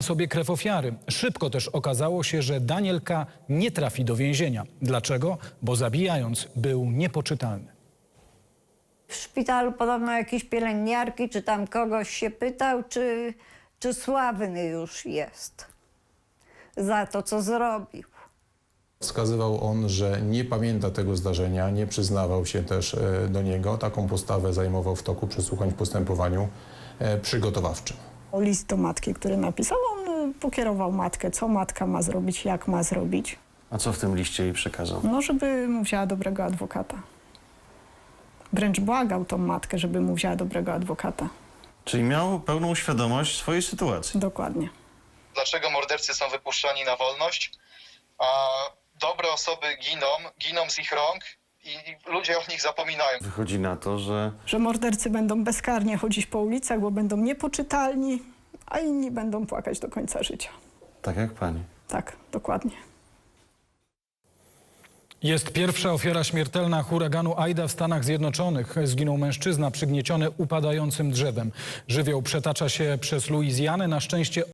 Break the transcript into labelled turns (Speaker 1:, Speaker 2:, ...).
Speaker 1: sobie krew ofiary. Szybko też okazało się, że Daniel K. nie trafi do więzienia. Dlaczego? Bo zabijając był niepoczytalny.
Speaker 2: W szpitalu podobno jakieś pielęgniarki, czy tam kogoś się pytał, czy sławny już jest za to, co zrobił.
Speaker 3: Wskazywał on, że nie pamięta tego zdarzenia, nie przyznawał się też do niego. Taką postawę zajmował w toku przesłuchań w postępowaniu przygotowawczym.
Speaker 4: List do matki, który napisał, on pokierował matkę, co matka ma zrobić, jak ma zrobić.
Speaker 5: A co w tym liście jej przekazał?
Speaker 4: No, żeby mu wzięła dobrego adwokata. Wręcz błagał tą matkę, żeby mu wzięła dobrego adwokata.
Speaker 5: Czyli miał pełną świadomość swojej sytuacji.
Speaker 4: Dokładnie.
Speaker 6: Dlaczego mordercy są wypuszczani na wolność, a dobre osoby giną z ich rąk i ludzie o nich zapominają.
Speaker 5: Wychodzi na to, że
Speaker 4: Że mordercy będą bezkarnie chodzić po ulicach, bo będą niepoczytalni, a inni będą płakać do końca życia.
Speaker 5: tak jak pani.
Speaker 4: Tak, dokładnie.
Speaker 1: Jest pierwsza ofiara śmiertelna huraganu Aida w Stanach Zjednoczonych. Zginął mężczyzna przygnieciony upadającym drzewem. Żywioł przetacza się przez Luizjanę. Na szczęście